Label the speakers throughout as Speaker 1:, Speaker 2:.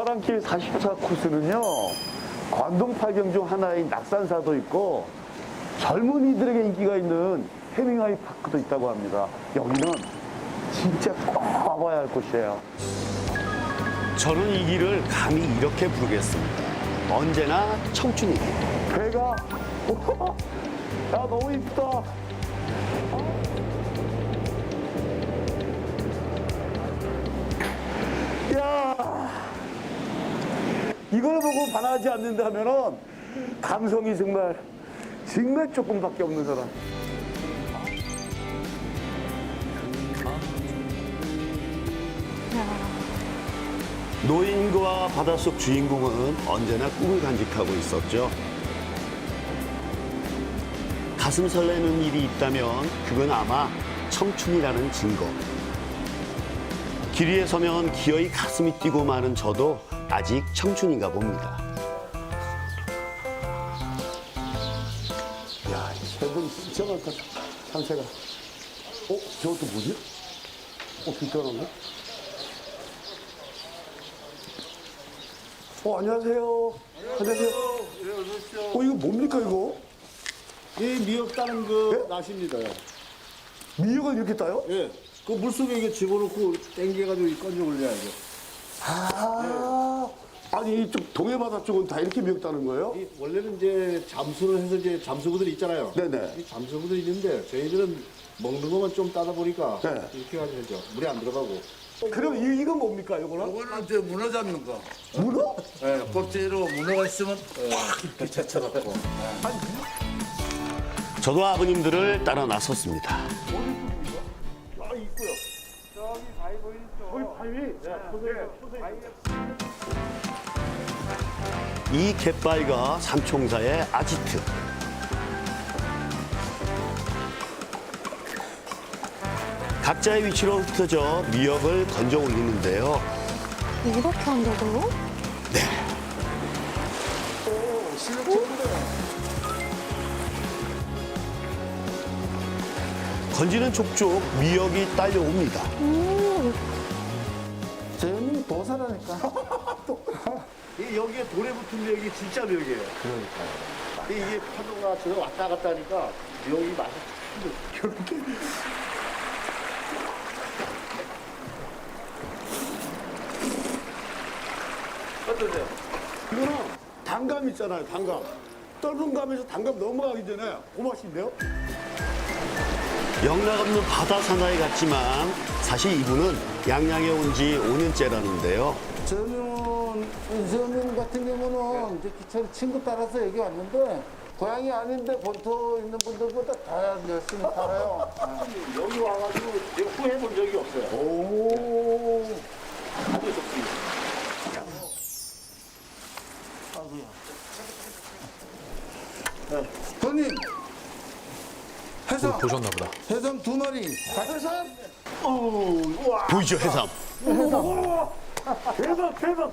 Speaker 1: 사랑길 44 코스는요, 관동팔경 중 하나인 낙산사도 있고 젊은이들에게 인기가 있는 해밍웨이 파크도 있다고 합니다. 여기는 진짜 꼭 와봐야 할 곳이에요.
Speaker 2: 저는 이 길을 감히 이렇게 부르겠습니다. 언제나 청춘이기.
Speaker 1: 배가 야 너무 이쁘다. 야 이걸 보고 반하지 않는다면은 감성이 정말 조금밖에 없는 사람.
Speaker 2: 노인과 바닷속 주인공은 언제나 꿈을 간직하고 있었죠. 가슴 설레는 일이 있다면 그건 아마 청춘이라는 증거. 길 위에 서면 기어이 가슴이 뛰고 마는 저도 아직 청춘인가 봅니다.
Speaker 1: 야, 새들 진짜 많다. 참새가. 저것도 뭐지? 빛깔한데? 안녕하세요. 안녕하세요.
Speaker 3: 예, 어서 오십시오.
Speaker 1: 이거 뭡니까, 이거?
Speaker 3: 이 미역 따는 그
Speaker 1: 예?
Speaker 3: 낫입니다요.
Speaker 1: 미역을 이렇게 따요?
Speaker 3: 예. 그 물속에 이게 집어넣고 땡겨가지고 건져 올려야죠.
Speaker 1: 아니, 이쪽 동해바다 쪽은 다 이렇게 미역 따는 거예요?
Speaker 3: 이 원래는 이제 잠수를 해서 이제 잠수부들이 있잖아요.
Speaker 1: 네네.
Speaker 3: 이 잠수부들이 있는데 저희들은 먹는 것만 좀 따다 보니까
Speaker 1: 네.
Speaker 3: 이렇게 가지고 하죠. 물에 안 들어가고.
Speaker 1: 그럼 이건 뭡니까, 이거는?
Speaker 4: 이거는 이제 문어 잡는 거.
Speaker 1: 문어?
Speaker 4: 예, 꼭지로 문어가 있으면 꽉 이렇게 제쳐갖고.
Speaker 2: 저도 아버님들을 따라 나섰습니다. 이 갯바위가 삼총사의 아지트. 각자의 위치로 흩어져 미역을 건져 올리는데요.
Speaker 5: 이렇게 한다고요?
Speaker 2: 건지는 족족 미역이 딸려옵니다.
Speaker 4: 쟤는 도사라니까.
Speaker 3: 이 여기에 돌에 붙은 미역이 진짜 미역이에요. 그러니까요. 이게 파도가 저기 왔다 갔다 하니까 미역이 맛이 참 이렇게.
Speaker 1: 어떠세요? 이거는 단감 있잖아요, 단감. 떫은 감에서 단감 넘어가기 전에 그 맛인데요?
Speaker 2: 영락없는 바다 사나이 같지만 사실 이분은 양양에 온 지 5년째라는데요.
Speaker 4: 저는 같은 경우는 이제 기차를 친구 따라서 여기 왔는데 고향이 아닌데 본토 있는 분들보다 다 열심히 살아요.
Speaker 3: 여기 와가지고 내가 후회해 본 적이 없어요.
Speaker 1: 오.
Speaker 3: 아주 좋습니다.
Speaker 4: 형님, 해삼,
Speaker 6: 보셨나 보다.
Speaker 4: 해삼 2마리. 해삼?
Speaker 2: 보이죠, 해삼?
Speaker 1: 대박.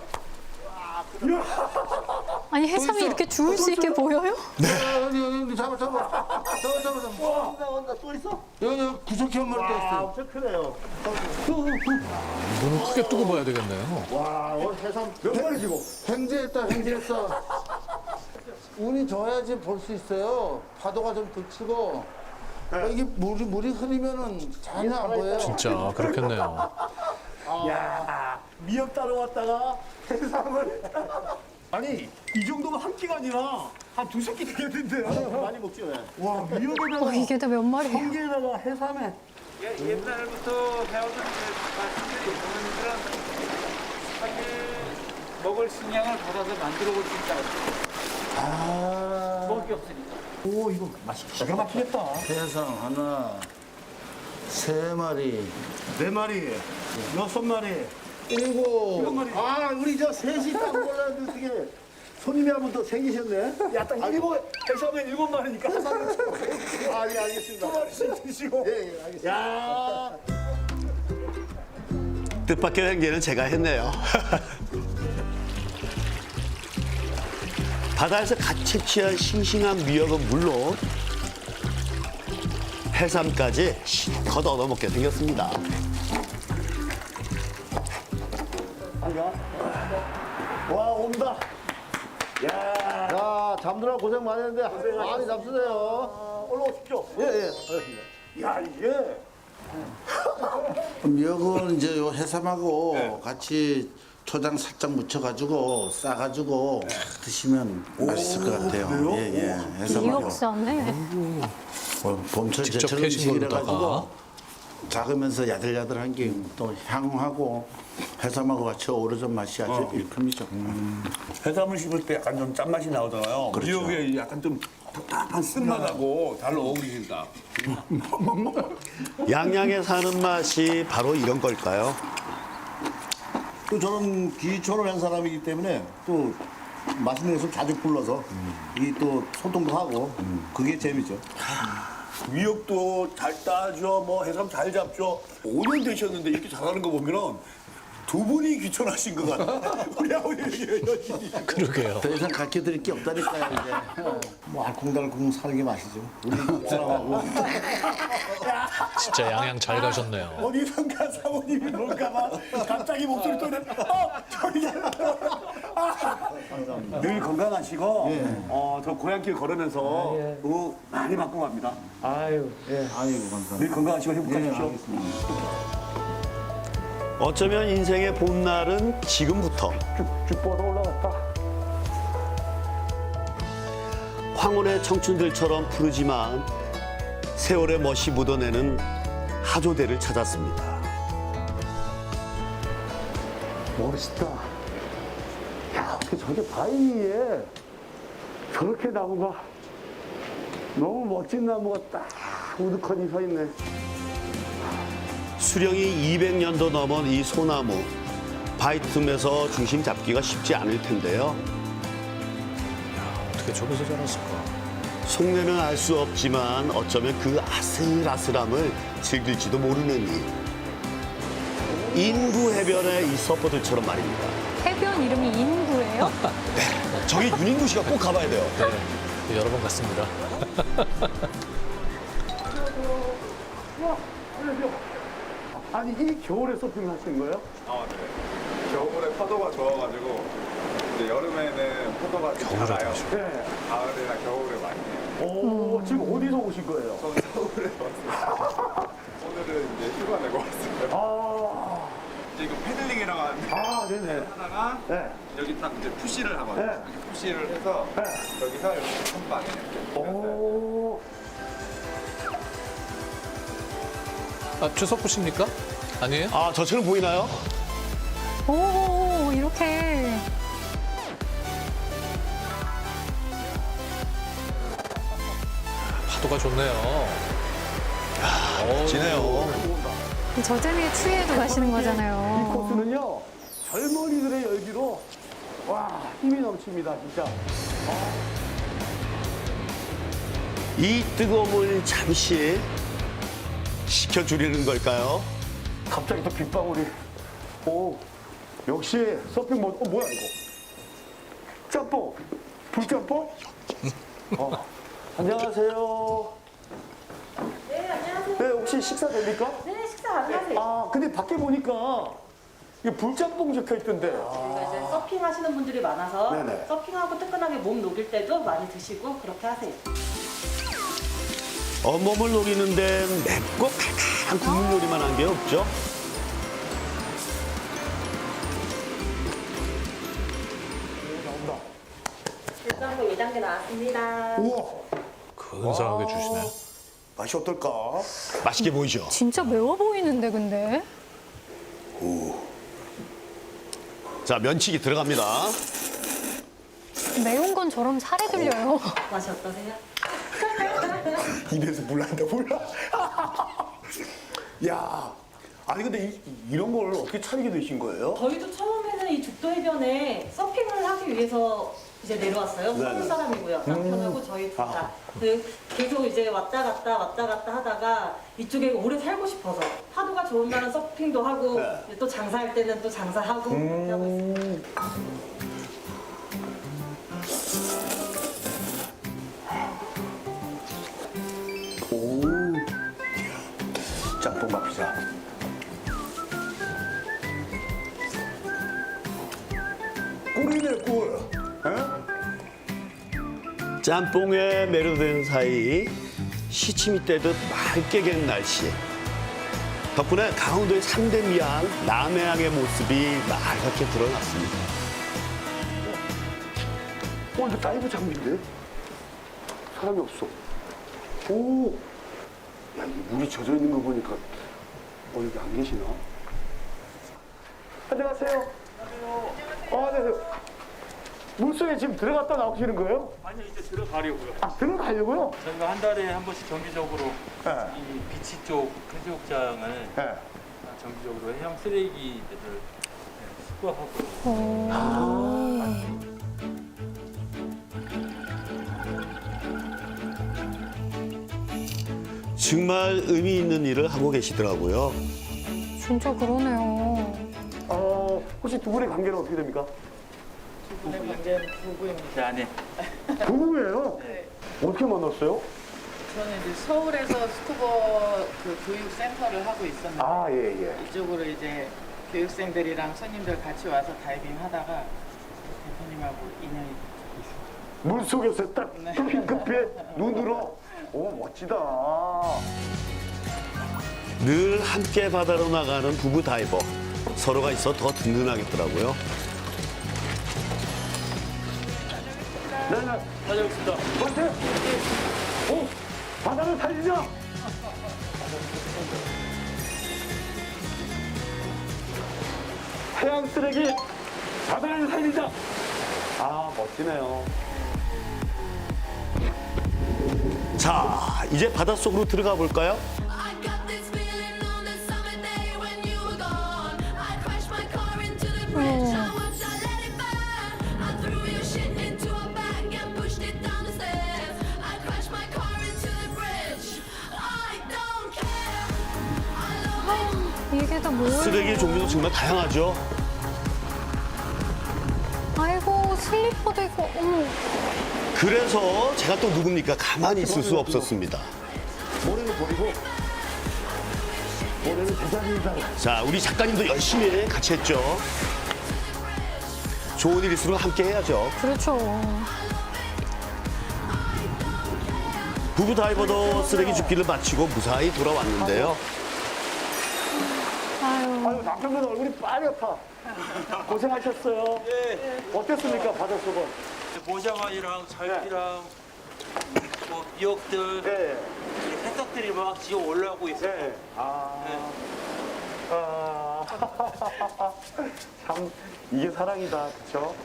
Speaker 5: 아니 해삼이 이렇게 주울 수 있게 보여요?
Speaker 4: 여기 잡아.
Speaker 3: 온다, 또 있어?
Speaker 4: 여기 구석기 한 마리 더 있어요.
Speaker 3: 엄청 크네요.
Speaker 6: 눈을 크게 뜨고 봐야 되겠네요.
Speaker 3: 와, 오늘 해삼
Speaker 1: 몇 마리시고?
Speaker 4: 횡재했어. 운이 좋아야지 볼 수 있어요. 파도가 좀 그치고. 이게 물이 흐리면은 전혀 안 보여요.
Speaker 6: 진짜 그렇겠네요.
Speaker 1: 야, 미역 따러 왔다가 해삼을. 아니, 이 정도면 한 끼가 아니라 한 두세 끼 되겠는데요?
Speaker 3: 많이 먹죠. 예.
Speaker 1: 와, 미역에다가
Speaker 5: 이게 다 몇 마리예요?
Speaker 1: 성게에다가 해삼에.
Speaker 7: 옛날부터 배우던 말씀들이 어머니들은 사실 먹을 식량을 받아서 만들어 볼 수 있다. 먹을 게 없으니까.
Speaker 1: 오, 이거 맛이 기가 막히겠다.
Speaker 4: 해삼 하나, 3마리,
Speaker 1: 4마리, 6마리.
Speaker 4: 7.
Speaker 3: 아, 우리 저 셋이 딱 몰랐는데 어떻게 손님이 한 분 더 생기셨네?
Speaker 1: 야, 딱 해삼에 7마리니까 해삼에
Speaker 3: 아, 예, 알겠습니다.
Speaker 1: 2마리씩 드시고.
Speaker 3: 예, 알겠습니다.
Speaker 1: 야,
Speaker 2: 뜻밖의 횡재는 제가 했네요. 바다에서 갓 채취한 싱싱한 미역은 물론 해삼까지 실컷 얻어먹게 생겼습니다.
Speaker 3: 와, 온다. 야, 잠들어 고생 많이 했는데 많이 잡수세요. 올라오십시오. 예, 예. 야, 이게.
Speaker 4: 미역은 이제 요 해삼하고 같이 초장 살짝 묻혀가지고 싸가지고 드시면 맛있을 것 같아요. 예, 예. 해삼하고.
Speaker 5: 미역사네.
Speaker 4: 봄철
Speaker 6: 직접
Speaker 4: 제철
Speaker 6: 캐신
Speaker 4: 음식이라
Speaker 6: 거로다가.
Speaker 4: 가지고 작으면서 야들야들한 게 또 향하고 해삼하고 같이 어우러진 맛이 아주 일품이죠.
Speaker 8: 해삼을 씹을 때 약간 좀 짠맛이 나오잖아요.
Speaker 4: 그렇죠.
Speaker 8: 미역에 약간 좀 답답한 쓴맛하고 잘 어울리신다.
Speaker 2: 양양에 사는 맛이 바로 이런 걸까요?
Speaker 3: 또 저는 귀촌을 한 사람이기 때문에 또 맛있는 것을 자주 불러서 이 또 소통도 하고 그게 재미죠.
Speaker 8: 미역도 잘 따죠. 뭐 해삼 잘 잡죠. 5년 되셨는데 이렇게 잘하는 거 보면은 두 분이 귀촌하신 것 같아요. 우리 아버님이 여전히.
Speaker 6: 그러게요.
Speaker 4: 더 이상 가르쳐드릴 게 없다니까요, 이제.
Speaker 3: 뭐 알콩달콩 사는 게 맛이죠. 우리 사람하고.
Speaker 6: 진짜 양양 잘 가셨네요.
Speaker 8: 어디선가 사모님이 볼까봐 갑자기 목소리 또 저기 늘 건강하시고 저 고향길 걸으면서 많이 바꾸고 갑니다.
Speaker 3: 아이고, 감사합니다.
Speaker 8: 늘 건강하시고 행복하십시오.
Speaker 2: 어쩌면 인생의 봄날은 지금부터.
Speaker 1: 쭉쭉 뻗어 올라갔다.
Speaker 2: 황혼의 청춘들처럼 푸르지만 세월의 멋이 묻어내는 하조대를 찾았습니다.
Speaker 1: 멋있다. 야, 어떻게 저게 바위에 저렇게 나무가 너무 멋진 나무가 딱 우두커니 서 있네.
Speaker 2: 수령이 200년도 넘은 이 소나무. 바위 틈에서 중심 잡기가 쉽지 않을 텐데요.
Speaker 6: 어떻게 저기서 자랐을까?
Speaker 2: 속내는 알 수 없지만 어쩌면 그 아슬아슬함을 즐길지도 모르는 일. 인구 해변의 이 서퍼들처럼 말입니다.
Speaker 5: 해변 이름이 인구예요?
Speaker 2: 저기 윤인구 씨가 꼭 가봐야 돼요.
Speaker 6: 네, 여러 번 갔습니다.
Speaker 1: 아니, 이 겨울에 서핑 하시는 거예요?
Speaker 9: 아, 네. 겨울에 파도가 좋아가지고 이제 여름에는 파도가 좀
Speaker 6: 겨울에
Speaker 9: 작아요.
Speaker 6: 하시고.
Speaker 1: 네.
Speaker 9: 가을이나 겨울에 많이 해요.
Speaker 1: 오, 지금 어디서 오신 거예요?
Speaker 9: 저는 서울에 왔어요. 오늘은 이제 휴가 내고 왔어요.
Speaker 1: 아,
Speaker 9: 이제 이거 패들링이라고 하는데
Speaker 1: 네네.
Speaker 9: 하다가
Speaker 1: 네.
Speaker 9: 여기 딱 이제 푸시를 하거든요.
Speaker 1: 네.
Speaker 9: 이렇게 푸시를 해서
Speaker 1: 네.
Speaker 9: 여기서 이렇게 한 방에 이렇게.
Speaker 1: 오,
Speaker 6: 아, 최석부십니까? 아니에요?
Speaker 2: 아, 저처럼 보이나요?
Speaker 5: 오, 이렇게.
Speaker 6: 파도가 좋네요.
Speaker 2: 지네요.
Speaker 5: 저 재미에 취해도 가시는
Speaker 1: 이
Speaker 5: 거잖아요.
Speaker 1: 코스는요, 젊은이들의 열기로, 와, 힘이 넘칩니다, 진짜.
Speaker 2: 이 뜨거움을 잠시 식혀주려는 걸까요?
Speaker 1: 갑자기 또 빗방울이. 오, 역시 서핑 모드. 뭐야, 이거? 짬뽕. 불짬뽕? 안녕하세요.
Speaker 10: 네, 안녕하세요.
Speaker 1: 네, 혹시 식사 됩니까?
Speaker 10: 네, 식사 가능하세요.
Speaker 1: 아, 근데 밖에 보니까 이게 불짬뽕 적혀 있던데.
Speaker 10: 저희가 이제 서핑 하시는 분들이 많아서
Speaker 1: 네네.
Speaker 10: 서핑하고 뜨끈하게 몸 녹일 때도 많이 드시고 그렇게 하세요.
Speaker 2: 온몸을 녹이는데 맵고 칼칼한 국물 요리만 한 게 없죠.
Speaker 10: 일단은 2단계 나왔습니다.
Speaker 1: 우와,
Speaker 6: 근사하게 주시네.
Speaker 3: 맛이 어떨까?
Speaker 2: 맛있게 보이죠?
Speaker 5: 진짜 매워 보이는데, 근데.
Speaker 2: 자, 면치기 들어갑니다.
Speaker 5: 매운 건 저럼 살에 들려요.
Speaker 10: 맛이 어떠세요?
Speaker 3: 입에서 물 난다, 물 나. 야, 아니 근데 이런 걸 어떻게 차리게 되신 거예요?
Speaker 10: 저희도 처음에는 이 죽도 해변에 서핑을 하기 위해서 이제 내려왔어요. 서울 사람이고요. 남편하고 저희 둘 다. 계속 이제 왔다 갔다 하다가 이쪽에 오래 살고 싶어서 파도가 좋은 날은 서핑도 하고 이제 또 장사할 때는 또 장사하고 그렇게 하고 있습니다.
Speaker 3: 짬뽕 밥 피자.
Speaker 8: 꿀이네, 꿀.
Speaker 2: 짬뽕에 매료된 사이 시침이 떼듯 맑게 갠 날씨. 덕분에 강원도의 3대 미항 남해항의 모습이 맑게 드러났습니다.
Speaker 1: 이거 다이브 장비인데? 사람이 없어. 오! 야, 이 물이 젖어 있는 거 보니까, 여기 안 계시나? 안녕하세요. 안녕하세요. 물속에 지금 들어갔다 나오시는 거예요?
Speaker 7: 아니요, 이제 들어가려고요.
Speaker 1: 아, 들어가려고요?
Speaker 7: 저희가 한 달에 한 번씩 정기적으로
Speaker 1: 네.
Speaker 7: 이 비치 쪽 해수욕장을
Speaker 1: 네.
Speaker 7: 정기적으로 해양 쓰레기들을 수거하고
Speaker 2: 정말 의미 있는 일을 하고 계시더라고요.
Speaker 5: 진짜 그러네요.
Speaker 1: 혹시 두 분의 관계는 어떻게 됩니까?
Speaker 7: 부부의 관계는 부부입니다. 네.
Speaker 1: 부부예요?
Speaker 11: 네.
Speaker 1: 어떻게 만났어요?
Speaker 11: 저는 이제 서울에서 스쿠버 그 교육센터를 하고 있었는데
Speaker 1: 아, 예, 예.
Speaker 11: 이쪽으로 이제 교육생들이랑 손님들 같이 와서 다이빙 하다가 대표님하고 인연이
Speaker 1: 물 속에서 딱
Speaker 11: 네.
Speaker 1: 급히 눈으로. 오, 멋지다.
Speaker 2: 늘 함께 바다로 나가는 부부 다이버. 서로가 있어 더 든든하겠더라고요.
Speaker 1: 네.
Speaker 7: 다녀오겠습니다.
Speaker 1: 화이팅! 오! 바다를 살리자! 해양 쓰레기, 바다를 살리자! 아, 멋지네요.
Speaker 2: 자, 이제 바닷속으로 들어가 볼까요?
Speaker 12: I got this feeling on the summer day when you were gone. I crashed my car into the bridge. I watched, I let it burn. I threw your shit into a bag and pushed it down the stairs. I crashed my car into the bridge. I don't care. I love it.
Speaker 5: 이게 다 뭐예요?
Speaker 2: 쓰레기 종류도 정말 다양하죠.
Speaker 5: 아이고, 슬리퍼도 있고, 어머.
Speaker 2: 그래서 제가 또 누굽니까? 가만히 있을 수 없었습니다.
Speaker 1: 모래는 버리고, 모래는 제자리에다가.
Speaker 2: 자, 우리 작가님도 열심히 같이 했죠. 좋은 일일수록 함께 해야죠.
Speaker 5: 그렇죠.
Speaker 2: 부부 다이버도 쓰레기 줍기를 마치고 무사히 돌아왔는데요.
Speaker 5: 아유.
Speaker 1: 아유, 남편분 얼굴이 빨갛다. 고생하셨어요. 어땠습니까, 바닷속은?
Speaker 7: 모장아이랑 잘피랑 뭐 미역들
Speaker 1: 네.
Speaker 7: 해석들이 막 지어 올라오고 있어요.
Speaker 1: 네. 참, 이게 사랑이다. 그쵸?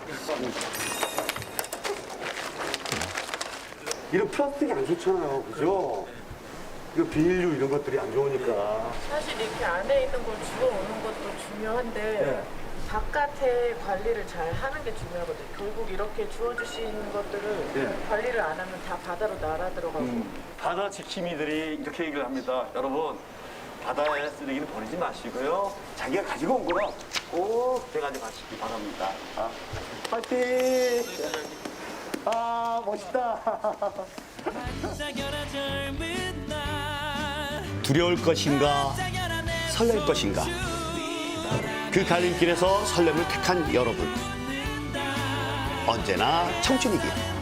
Speaker 1: 이런 플라스틱이 안 좋잖아요. 그죠? 이거 비닐류 이런 것들이 안 좋으니까.
Speaker 11: 사실 이렇게 안에 있는 걸 주워오는 것도 중요한데 바깥에 관리를 잘 하는 게 중요하거든요. 결국 이렇게 주워주시는 것들을 관리를 안 하면 다 바다로 날아 들어가고
Speaker 1: 바다 지킴이들이 이렇게 얘기를 합니다. 여러분, 바다에 쓰레기는 버리지 마시고요. 자기가 가지고 온 거는 꼭 대가지고 가시기 바랍니다. 파이팅! 멋있다.
Speaker 2: 두려울 것인가, 설렐 것인가. 그 갈림길에서 설렘을 택한 여러분. 언제나 청춘이길.